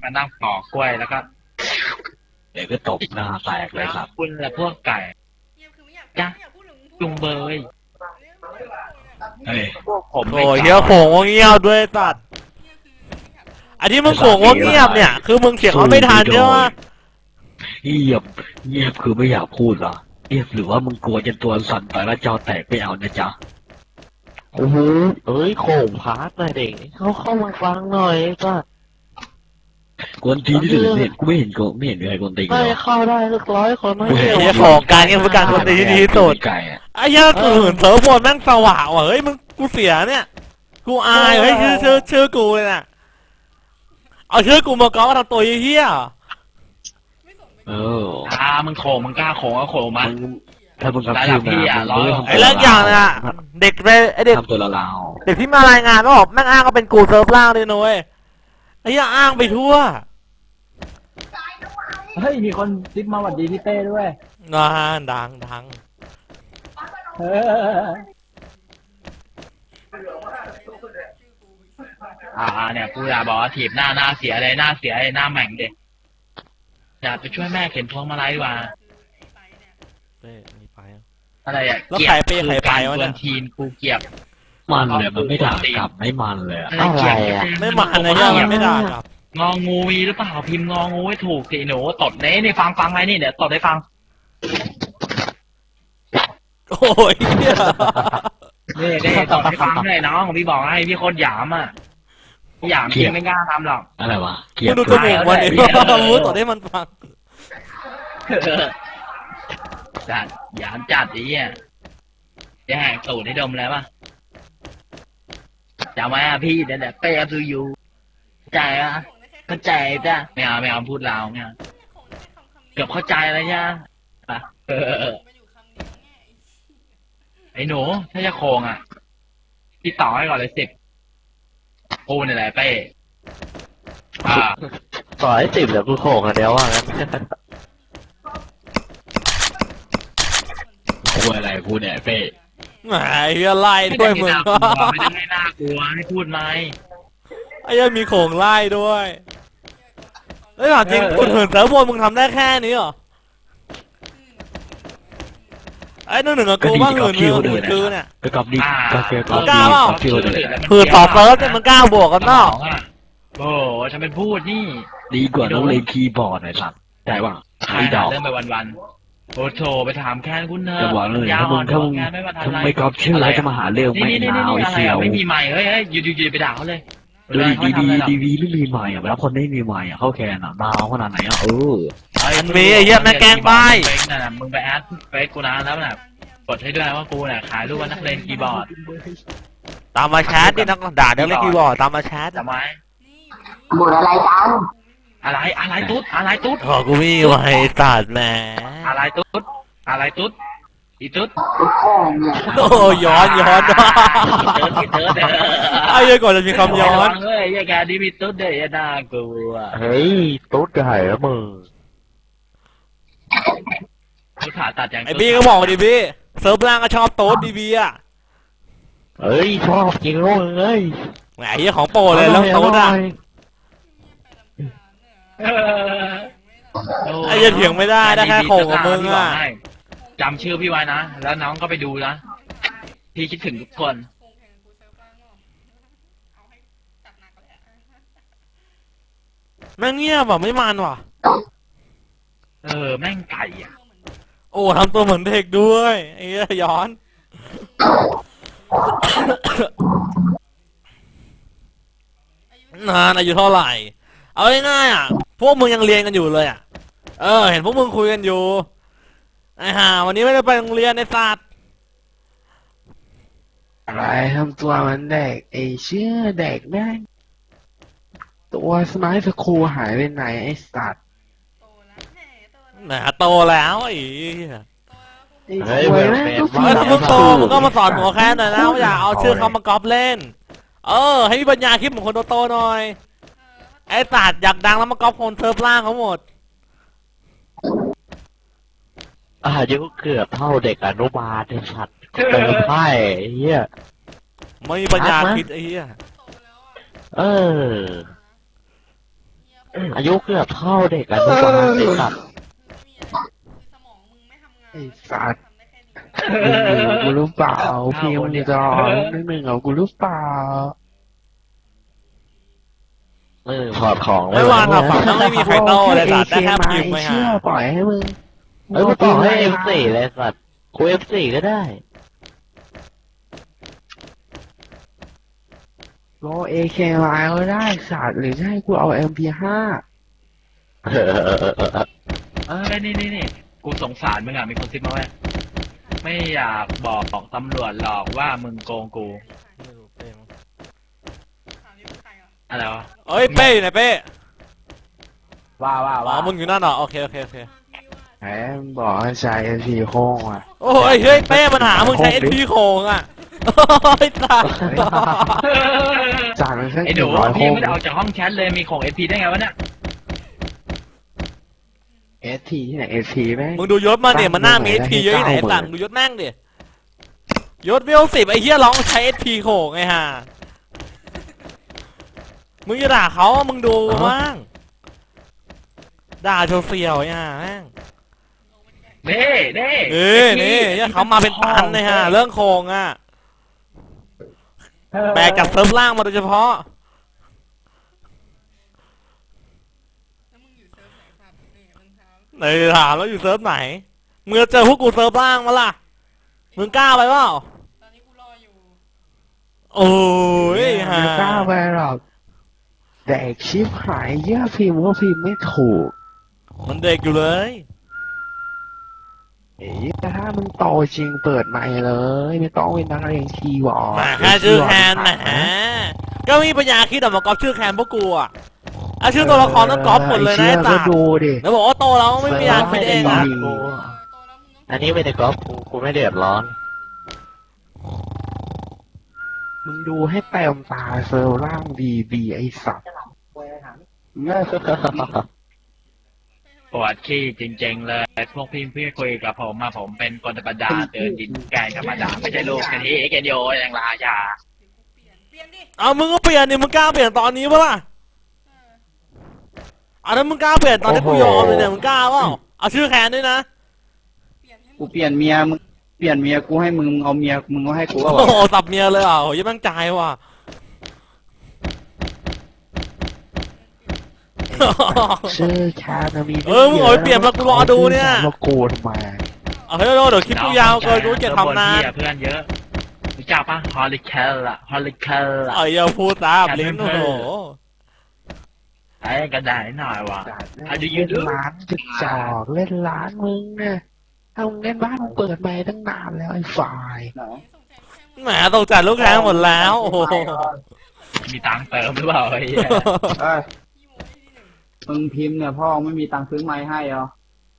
มานั่งปอกกล้วยแล้วก็เดี๋ยวก็ตบหน้าแตกเลยครับคุณแหละพวกไก่จ้ะจุงเบยเฮ้ยพวกผมโอ้ยเฮียโขงว่าเงียบด้วยสัตว์อันที่มึงโขงว่าเงียบเนี่ยคือมึงเสียงเขาไม่ทันใช่ไหมเงียบเงียบคือไม่อยากพูดเหรอเงียบหรือว่ามึงกลัวจนตัวสั่นไปแล้วจอแตกไม่เอานะจ๊ะโอ้โหเอ้ยโขงพาร์ทหน่อยเด็กเข้ามาฟังหน่อยก็กวนทีที่สุดเนี่ยกูไม่เห็นใครกวนตีนเลไม่ยเข้าได้สัก100 คนไม่ไอ้เดียวเฮียของการเงี้ยคือการคนตีที่ดีที่สุดไก่อะไอ้เฮียกูเห็นเซิร์ฟบอลแม่งสว่างว่ะเฮ้ยมึงกูเสียเนี่ยกูอายเฮ้ยชื่อกูเลยน่ะเอาชื่อกูมาก้อทำตัวเฮี้ยเออมึงโขงมึงกล้าโขงก็โขงมาถ้ามึงทำชื่อมามึงไม่ทำไอ้เรื่องอย่างน่ะเด็กไปไอ้เด็กทำตัวละลาวเด็กที่มารายงานก็บอกแม่งอ้างก็เป็นกูเซิร์ฟล่างเลยนุ้ยไอ้เหี้ยอ้างไปทั่วเฮ้ยมีคนซิปมาหวัดดีพี่เต้ด้วยงานดังเออเนี่ยกูอยากบอกว่าถีบหน้าเสียเลยหน้าเสียเลยหน้าแหม่งเด็กอยากไปช่วยแม่เข็นพวงมาลัยดีกว่าอะไรอ่ะแล้วใครไปวะเนี่ยทีมกูเกียบมันเลยมันไม่ด่ากลับไม่มันเลยอะอะไรอ่ะไม่มาเลยเหี้ยมันไม่ด่าครับงองูมีหรือเปล่าพิมพ์งองูให้ถูกสิหนูตดนี่ฟังอะไรนี่เดี๋ยวตดให้ฟังโอ้ยเหี้ยนี่ตดให้ฟังเลยน้องพี่บอกให้พี่โคตรหยามอ่ะหยามพี่ไม่กล้าทำหรอกอะไรวะเกลียมึดงดูจมูกมันดิมูต่อได้มันฟังจัดหยามจัดไอ้เหี้ยจะแหกตูดให้ดมแล้วป่ะจำไว้พี่เดี๋ยวเป้ซูยูใจอ่ะเข้าใจจ้ะไม่เอาพูดลาวไม่เอาเกือบเข้าใจแล้วเนี่ยไอ้หนูถ้าจะโคงอ่ะพี่ต่อให้ก่อนเลย10กูนี่แหละเป้ต่อให้10เดี๋ยวกูโขงอ่ะเดี๋ยวว่างั้นกลัวอะไรพูดเนี่ยเป้แหมเหี้ยไล่ด้วยมึงไม่ได้ให้น่ากลัวให้พูดไหมไอ้เหี้ยมีโขงไล่ด้วยเฮ้ยถามจริงคุณเหินเซิร์ฟบอลมึงทำได้แค่นี้เหรอไอ้หนึ่งกับกูบ้างเหินคือเนี่ยก็กอบดีก็เกลียดกอบกล้าเปล่าที่เขาเลยคือต่อเซิร์ฟเนี่ยมันกล้าบวกกันเนาะโอ้ทำเป็นพูดนี่ดีกว่าต้องเล่นคีย์บอร์ดหน่อยสัตว์ได้ป่ะใครไอ้ดอกเรื่องไปวันๆโอ้โถไปถามแค่คุณเนอะจะบอกเลยยาถ้ามึงงานไม่มาทันถ้าไรไม่กอบชื่ออะไรจะมาหาเรื่องไม่นี่หนาวไอ้อะไรเสี่ยวไม่มีใหม่เฮ้ยอยู่ไปด่าเขาเลยดูดีวีไม่มีใหม่อ่ะแล้วคนไม่มีใหม่อ่ะเข้าแคนอ่ะดาวขนาดไหนอ่ะมันมีไอ้เหี้ยแม่แกล้งป้ายมึงไปแอดเฟซกูนะแล้วแบบกดให้ด้วยว่ากูเนี่ยขายรูปว่านักเล่นคีย์บอร์ดตามมาแชทดินักด่าเดี๋ยวเล่นคีย์บอร์ดตามมาแชทจำไว้หมดอะไรกันอะไรตุ๊ดขอกูมีไว้ตัดแหมอะไรตุ๊ดอีตุ๊ดแค่เนี่ยโอ้ย้อนไอ้เหี้ยก่อนจะมีคำย้อนเฮ้ยแกดิมีตุ๊ดเดี๋ยวน่ากลัวเฮ้ยตุ๊ดไก่แล้วมึงกูขาตัดอย่างไอ้บี้ก็บอกดิบี้เซิร์ฟล่างก็ชอบโต๊ดดีบี้อ่ะเฮ้ยชอบจริงแล้วเอ้ยแหมไอ้เหี้ยของโปรเลยแล้วโต๊ดอ่ะไอ้เหี้ยเถียงไม่ได้แค่โขงกับมึงอ่ะจำชื่อพี่ไว้นะแล้วน้องก็ไปดูนะพี่คิดถึงทุกคนแม่งเงียบอ่ะไม่มันว่ะแม่งไก่อ่ะโอ้ทำตัวเหมือนเด็กด้วยไอ้เหี้ยย้อนนานอายุเท่าไหร่เอาง่ายๆอ่ะพวกมึงยังเรียนกันอยู่เลยอ่ะเห็นพวกมึงคุยกันอยู่ไอ้ห่าวันนี้ไม่ได้ไปโรงเรียนในศาสตร์อะไรทำตัวมันเด็กไอ้เชื่อเด็กแม่งตัวสมัยสครูหายไปไหนไอ้สัตว์แหมโตแล้วไอ้เหี้ยเฮ้ยเว้ยแม่งก็เฮ้ยถ้ามึงโตมึงก็มาสอนหัวแค่หน่อยนะว่าอย่าเอาชื่อเขามากอบเล่นให้มีปัญญาคิดเหมือนคนโตๆหน่อยไอ้ศาสตร์อยากดังแล้วมากอบคนเซิร์ฟล่างเขาหมดอายุเกือบเท่าเด็กอนุบาลไอ้สัตว์เติมไพ่ไอ้เหี้ยไม่มีปัญญาคิดไอ้เหี้ยเอออายุเกือบเท่าเด็กอนุบาลไอ้สัตว์ไอ้สัตว์มึงอยู่กูรู้เปล่าพี่มึงจะรอนิดนึงเหรอกูรู้เปล่าถอดของไม่วางอะฝั่งนั้นไม่มีใครโต้เลยสัตว์ได้แค่พิมพ์ไปเชื่หาอปล่อยให้มึงเอ้ยกูต่อให้ F4 เลยสัตว์กู F4 ก็ได้โลเอเคไลน์ก็ได้สัตว์หรือจะให้กูเอา MP5 นี่กูสงสารมึงอ่ะมีคนซิปมาไว้ไม่อยากบอกตำรวจหรอกว่ามึงโกงกูอะไรวะเอ้ยเป้อยู่ไหนเป้ว่าอ๋อมึงอยู่นั่นเหรอโอเคแหมบอกให้ใช้ MP โค้งอ่ะโอ้ยเฮ้ยเป้มันหามึงใช้ SP โค้งอ่ะโอ้ยสัตว์จานมันแค่ไอ้หนู 100 พี่โค้งไม่ได้ออกจากห้องแชทเลยมีของ SP ได้ไงวะเนี่ย ST ที่ไหน ST แม่งมึงดูยศมาเนี่ยมันหน้ามี SP เยอะที่ไหนสัตว์มึงดูยศนั่งดิยศเวล10ไอ้เหี้ยร้องใช้ SP โค้งไงฮะมึงจะด่าเขามึงดูมั่งด่าโชว์เฟียวไอ้ห่าแม่งนี่เนี่ยเขามาเป็นตันเลยฮะเรื่องโครงอ่ะแบกจากเซิร์ฟล่างมาโดยเฉพาะไหนถามแล้วอยู่เซิร์ฟไหนมึงจะเจอพวกกูเซิร์ฟล่างมาล่ะมึงกล้าไปเปล่าโอ้ยฮะไม่กล้าไปหรอกแดกชิปหายเยอะพิมพ์ก็พิมพ์ไม่ถูกมันเด็กอยู่เลยเอ้ยแต่ถ้ามึงโตจริงเปิดใหม่เลย ไม่ต้องเป็นนักเรียนคีย์บอร์ดมาแค่ชื่อแคนแหมก็มีปัญญาคิดออกมากรอบชื่อแคนพวกกูอ่ะเอาชื่อตัวละครต้องกรอบหมดเลยนะไอ้ก็ตาดูดิแล้วบอกว่าโตแล้วไม่มีปัญญาคิดเองอ่ะอันนี้ไม่ได้ก๊อปกูไม่เดือดร้อนมึงดูให้เต็มตาเซลล์ล่างดีไอสัตว์ปวดขี้จริงๆเลยพวกพี่คุยกับผมมาผมเป็นคนธรรมดาเดินดินแกงธรรมดาไม่ใช่ลูกกันที่เกนโยอย่างราชาเอามึงก็เปลี่ยนดิมึงกล้าเปลี่ยนตอนนี้ปะล่ะเอาถ้ามึงกล้าเปลี่ยนตอนที่กูยอมเลยเนี่ยมึงกล้าเปล่าเอาชื่อแคนด้วยนะกูเปลี่ยนเมียมึงเปลี่ยนเมียกูให้มึงเอาเมียมึงก็ให้กูก็โอ้โหสับเมียเลยอ่ะโหยังมั่งใจว่ะชื่อแคนนะมีมึงเอาไปเปลี่ยนมากูรอดูเนี่ยมากูทำไมเอาเฮ้ยเดี๋ยวคลิปกูยาวเกินกูเกลียดทำนานเพื่อนเยอะรู้จักปะฮอลลิเคลล่ะฮอลลิเคลล่ะเอ้ยอย่าพูดตามลิ้นโอ้โหไอ้กระดาษหน่อยวะ How do you เล่น do? ร้านจะจอกเล่นร้านมึงเนี่ยถ้ามึงเล่นบ้านมึงเปิดมาตั้งนานแล้วไอ้ฝ่ายแหมตกจัดลูกแคนหมดแล้วโอ้โหมีตังค์เติมหรือเปล่าไอ้เหี้ยเอ้ยมึงพิมพ์เนี่ยพ่อไม่มีตังค์ซื้อไม้ให้เหรอ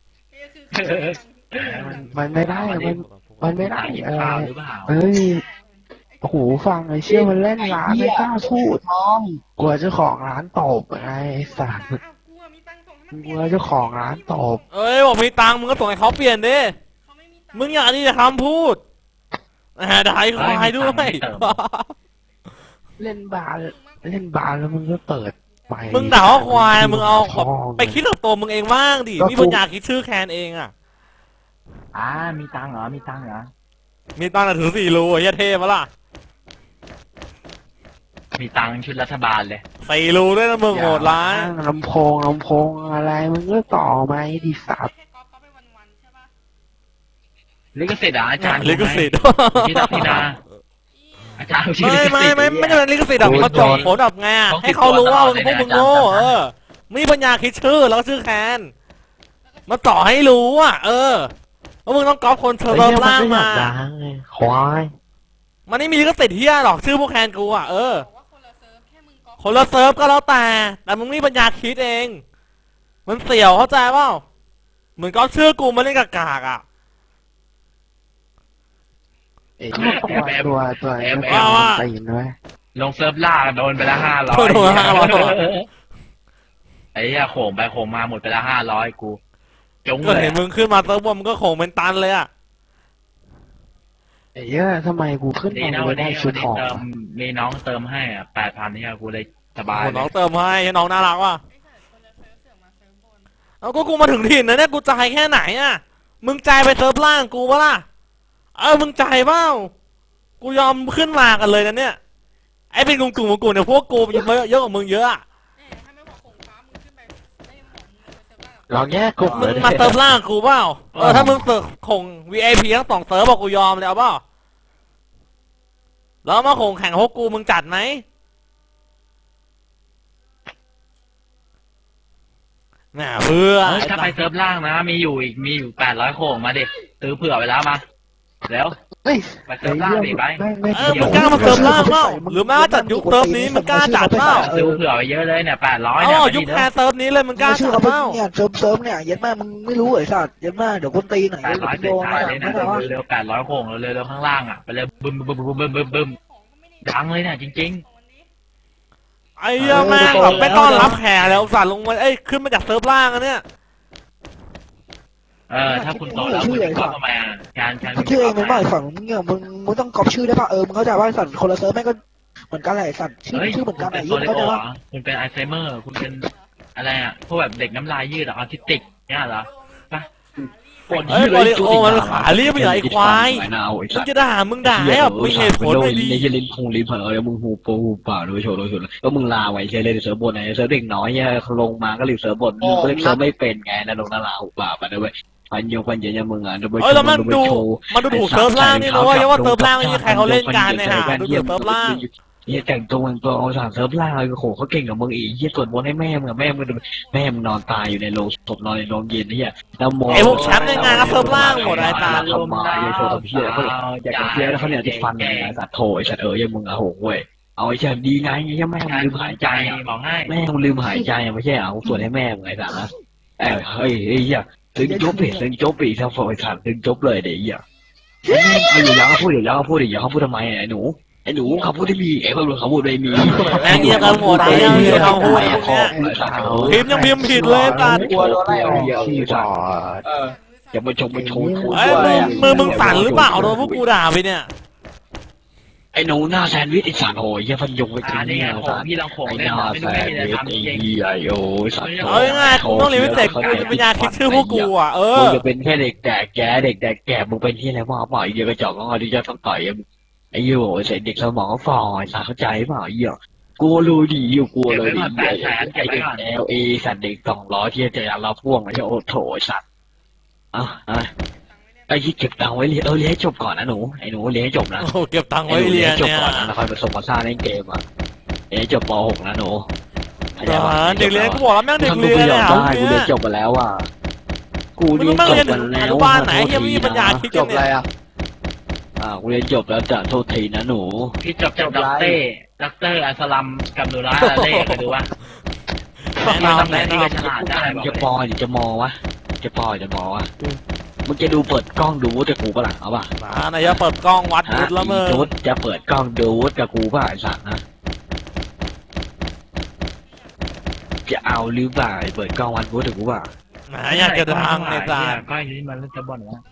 มันไม่ได้มันไม่ได้กินข้าวหรือเปล่ามันไม่มีหูฟังไอ้เชี่ยมันเล่นร้านไม่กล้าพูดท้องกลัวเจ้าของร้านตบไงไอ้สัตว์กลัวเจ้าของร้านตบเอ้ยบอกมีตังค์มึงก็ส่งให้เขาเปลี่ยนดิมึงอย่านี่จะคำพูดด่าไอ้ควายด้วยเล่นบาร์แล้วมึงก็เปิดไปมึงด่าว่าควายมึงเอาแบบพ่อไปคิดกับตัวมึงเองบ้างดิมีปัญญาคิดชื่อแคนเองอ่ะมีตังค์เหรอมีตังค์แต่ถือ4 รูไอ้เหี้ยเท่ปะล่ะมีตังค์ชุดรัฐบาลเลย 4 รูด้วยนะมึงโหดร้ายลำโพงอะไรมึงก็ต่อไหมดิสัตว์ลิขสิทธิ์อ่ะอาจารย์ลิขสิทธิ์พี่ตักพี่นาอาจารย์ชื่อลิขสิทธิ์ไม่ใช่เป็นลิขสิทธิ์หรอกเขาจบผลแบบไงอะให้เขารู้ว่าพวกมึงโง่มีปัญญาคิดชื่อแล้วก็ชื่อแคนมาต่อให้รู้อ่ะว่ามึงต้องก๊อปคนเชิญไอ้เริ่มเหี้ยมันล่างก็อยามากดังไงควายมันไม่มีลิขสิทธิ์เฮียหรอกชื่อพวกแคนกูอ่ะคนละเซิร์ฟก็แล้วแต่มึงมีปัญญาคิดเอง มันเสี่ยวเข้าใจเปล่าเหมือนก๊อปชื่อกูมาเล่นกากๆอ่ะไอ้ตัวตีนไว้ลงเซิร์ฟล่าโดนไปละ500 โดน500 ไอ้เหี้ยโขงไปโขงมาหมดไปละ500กูจงก็เลยเห็นมึงขึ้นมาเซิร์ฟบนมึงก็โขงเป็นตันเลยอ่ะไอ้เหี้ยทำไมกูขึ้นดีมานะไม่วันได้นี้ชุดทองเติมมีน้องเติมให้อ่ะ8,000เนี่ยกูเลยสบายโอ้น้องเติมให้น้องน่ารักว่ะเอาก็กูมาถึงถิ่นนะเนี่ยกูจ่ายแค่ไหนอ่ะมึงจ่ายไปเซิร์ฟล่างกูปะล่ะมึงจ่ายเปล่ากูยอมขึ้นมากันเลยนะเนี่ยไอ้เป็นกลุ่มของกูเนี่ยพวกกูเยอะกว่ามึงเยอะอะลองแยกกลุ่มมึเลงยมาเซิร์ฟล่างกูเปล่าถ้ามึงเสิร์ฟข่ง VIP ทั้ง2 เซิร์ฟบอกกูยอมเลยเอาเปล่าแล้วมาข่งแข่งพวกกูมึงจัดไหมน่ะเพื่อถ้าไปเซิร์ฟล่างนะมีอยู่800โค้งมาดิซื้อเผื่อไปแล้วมาแล้วเฮ้ยไปเซิร์ฟล่างดิไปมึงกล้ามาเซิร์ฟล่างเปล่าหรือแม้ว่าจัดยุคเซิร์ฟนี้มึงกล้าจัดเปล่าซื้อเผื่อไปเยอะเลยเนี่ย800 เอาเนี่ยยุคแคร์เซิร์ฟนี้เลยมึงกล้าชื่จัอดเขาเปล่าเนี่ยเซิร์ฟเนี่ยเย็ดมากมึงไม่รู้เหรอสัตว์เย็ดมากเดี๋ยวคนตีหน่อย 800 โดเสร็จนท้ายอะไรเลยนะไม่รู้ว่าเร็ว800โค้งเร็วข้างล่างอ่ะไปเลยบึ้มดังเลยเนี่ยจริงไอ้เหี้ยแม่งแบบไม่ต้อนรับแขกแล้วอุตส่าห์ลงมาขึ้นมาจากเซิร์ฟล่างอะเนี่ยถ้าคุณโตแล้วคุณจะเข้ามาการชื่อเองมันไม่ฝั่งมึงเนี่ยมึงต้องก๊อปชื่อได้ป่ะมึงเข้าใจว่าสัตว์คนละเซิร์ฟแม่งก็เหมือนกันแหละสัตว์ชื่อเหมือนกันเป็ไอ้นยี่โซเลเข้าใจโอว่าคุณเป็นอัลไซเมอร์คุณเป็นอะไรอ่ะพวกแบบเด็กน้ำลายยืดออทิสติกเนี่ยเหรอปะโบริโอมันขาเรียบไปไหนควายมึงจะด่ามึงด่าให้แบบมีเหตุผลไม่ดีในจะเล่นคงลิ้นเผลอแล้วมึงหูโปหูป่าโดยโชว์แล้วมึงลาไว้ใช่เล่นเซิร์ฟบนไหนเซิร์ฟเด็กน้อยเนี่ยลงมาก็รีเซิร์ฟบนมึงเล่นเซิร์ฟไม่เป็นไงนะลงนาลาหูป่าไปด้วยพันเยอะมึงอ่ะแล้วมันดูถูกเซิร์ฟล่างนี่นะเว้ยว่าเซิร์ฟล่างนี่ใครเขาเล่นกันเนี่ยฮะดูถูกเซิร์ฟล่างเฮียแต่งตัวมึงตัวเอาสารเซิร์ฟล่างเลยโหเขาเก่งกับมึงอีกเฮียสวดมนต์ให้แม่มึงแม่มึงนอนตายอยู่ในโรงศพนอนในโรงเย็นเฮียแล้วมองไอ้พวกแชมป์ในงานก็เซิร์ฟล่างหมดไอ้ตาทำมาไอ้โชว์กับเฮียเขาอยากจะเฮียแล้วเขาเนี่ยจะฟันไอ้สัตว์โถไอ้สัตว์ยังมึงอะโหเว้ยเอาไอ้ฉันดีไงยังแม่มึงลืมหายใจบอกให้แม่มึงลืมหายใจไม่ใช่เอาส่วนให้แม่มึงไอ้สัตว์นะเฮ้ยเฮียถึงจบปีทั้งฝ่ายสัตว์ถึงจบเลยเดี๋ยวเฮียเอาอยู่แล้วเขาพูดทำไมไอ้หนูเขาพูดได้มีไอ้คนเขาพูดได้มีแม่งเงียบกันหมดไอ้เหี้ยเขาพูดพวกเนี้ยพิมพ์ยังพิมพ์ผิดเลยตากลัวโดนไล่ออกที่สัตว์อย่ามาชมมาโชว์มึงสั่นหรือเปล่าโดนพวกกูด่าไปเนี่ยไอ้หนูหน้าแซนด์วิชไอ้สัตว์โหยฟันยงไปจริงนี่ไงไอ้โขงพี่ลองโขงหเล่นน้าไม่แซรู้ไม่นมีด์อะไรวิชทำจไอ้ริงเหี้ยสัตว์เอาง่ายๆกูต้องเรียนวิเศษกูจะเป็นยาคิดชื่อพวกกูอ่ะมึงจะเป็นแค่เด็กแก่มึงเป็นที่อะไรวะบ่อยเยอะกระจอกก็ที่จะต้องต่อยไอ้เหี้ยโอ้ยเด็กสมองฝ่อไอ้สัตว์เข้าใจเปล่าไอ้เหี้ยกลัวรู้ดีกลัวเลยไอ้เด็กLA สัตว์เด็ก200ที่จะเราพ่วงไอ้เหี้ยโอ้โถสัตว์ไอ้ที่เก็บตังค์ไว้เรียนเรียนให้จบก่อนนะหนูไอ้หนูเรียนให้จบนะโอ้เก็บตังค์ไว้เรียนจบเนี่ยก่อนนะแล้วค่อยผสมผสานเล่นเกมอ่ะจบป .6 นะหนูเด็กเรียนกูบอกแล้วแม่งเด็กเรียนเนี่ยกูเรียนจบไปแล้วอ่ะกูเรียนจบไปแล้วอนุบาลไหนยังไม่มีปัญญาคิดจบอะไรอ่ะกูเรียนจบแล้วจ้ะโทษทีนะหนูพี่จบจากด็อกเตอร์อัสลัมกับนูราเล่ไปดูว่าแนะนำที่ฉลาดได้จะปอหรือจะมอวะจะปอหรือจะมอวะมึงจะดูเปิดกล้องดูวุฒิกับกูปะล่ะเอาป่ะนายจะเปิดกล้องวัดวุฒิแล้วมึงวุฒิจะเปิดกล้องดูวุฒิกับกูป่ะไอ้สัตว์นะจะเอาหรือเปล่าเปิดกล้องวัดวุฒิกับกูป่ะอยากจะดังไอ้สัสก็อย่างนี้มันจะบ่นว่า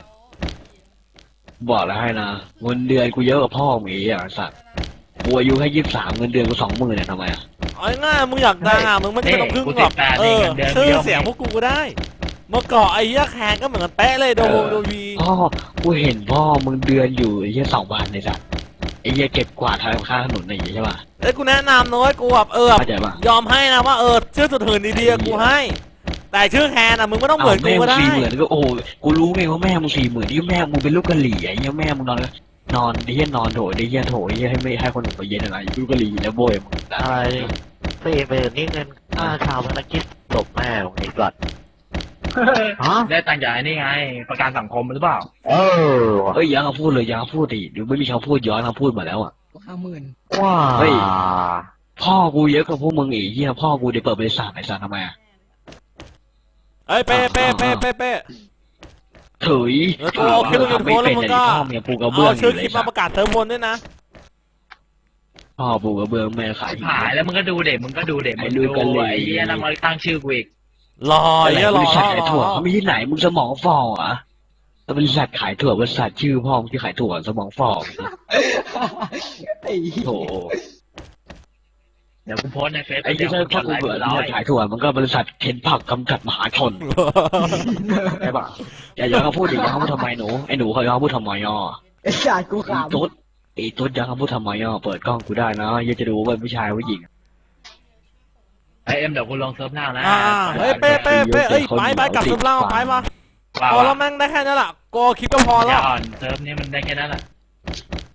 บอกแล้วให้นะเงินเดือนกูเยอะกว่าพ่อมึงอีกอ่ะสัตว์กูอายุแค่23เงินเดือนกู20,000เนี่ยทำไมอ่ะเอาง่ายมึงอยากดังมึงไม่ต้องพึ่งหรอกชื่อเสียงพวกกูก็ได้เมื่อก่อนไอ้ยักษ์แคนก็เหมือนกันเป๊ะเลยดูวีพ่อกูเห็นพ่อมึงเดือนอยู่ไอ้เหี้ย2,000ในสัตว์ไอ้เหี้ยเก็บกวาดทางข้างถนนอะไรอย่างเงี้ยใช่ป่ะเอ้ยกูแนะนำนะเว้ยกูแบบเข้าใจป่ะยอมให้นะว่าชื่อสุดหื่นดีๆกูให้ แต่ชื่อแคนมึงไม่ต้องเหมือนกูก็ได้ 40,000ก็โอ้กูรู้ไงว่าแม่มึง40,000ที่แม่มึงเป็นลูกกะหรี่ไอ้เหี้ยแม่มึงนอนไอ้เหี้ยนอนโถไอ้เหี้ยโถไอ้เหี้ยให้ไม่ให้คนอื่นมาเย็นอะไรลูกกะหรี่แล้วโบยมึงอะไร40,000นี่เงินค่าชาวพนักกิจตบแม่ของไอ้สัตว์ฮะได้ตังค์จากนี่ไงประกันสังคมหรือเปล่าเออเอ้ยยังพูดเลยยังพูดดิเดี๋ยวไม่มีเขาพูดย้อนเขาพูดมาแล้วอ่ะว้าเฮ้ย พ่อกูเยอะกว่าพวกมึงอีกเหี้ยพ่อกูเดี๋ยวเปิดบริษัทไอ้สัตว์ทำไมอ่ะเอ้ยเป๊ะเถุยแล้วกูเอาคลิปลง YouTube แล้วมึงก็พ่อเมียปูกระเบื้องเอาชื่อคลิปมาประกาศเติมบนด้วยนะพ่อปูกระเบื้องแม่ขายหายแล้วมึงก็ดูเด็กมึงดูไอ้เหี้ยนั่งมาตั้งชื่อกูอีกรออะไรเยอะรบอริษัทขายถั่วเขาไม่ที่ไหนมึงสมองฝ่ออ่ะบริษัทขายถั่วบริษัทชื่อพ่อมึงที่ขายถั่วสมองฝ่อไอ้โถดี๋ยวกูโพสต์ในเฟซไอ้ที่ถ้ากูเบื่อที่จะขายถั่วมันก็บริษัทเข็นผักกำจัดมหาชนใช่ปะอย่าย้อนเขาพูดดิย้อนเขาพูดทำไมหนูไอ้หนูเขาย้อนเขาพูดทำไมย่อไอ้สัตว์กูขไอ้ตุ๊ดย้อนเขาพูดทำไมย่อเปิดกล้องกูได้นะยังจะดูว่าเป็นผู้ชายผู้หญิงไอเอ็มเดี๋ยวกูลงเซิร์ฟหน้านะเฮ้ยเป้เอ้ยไปกลับซุปเล่าไปมาพอแล้วแม่งได้แค่นั้นแหละกูคิดก็พออแล้ย่าว อ่อนเซิร์ฟนี้มันได้แค่นั้นแหละ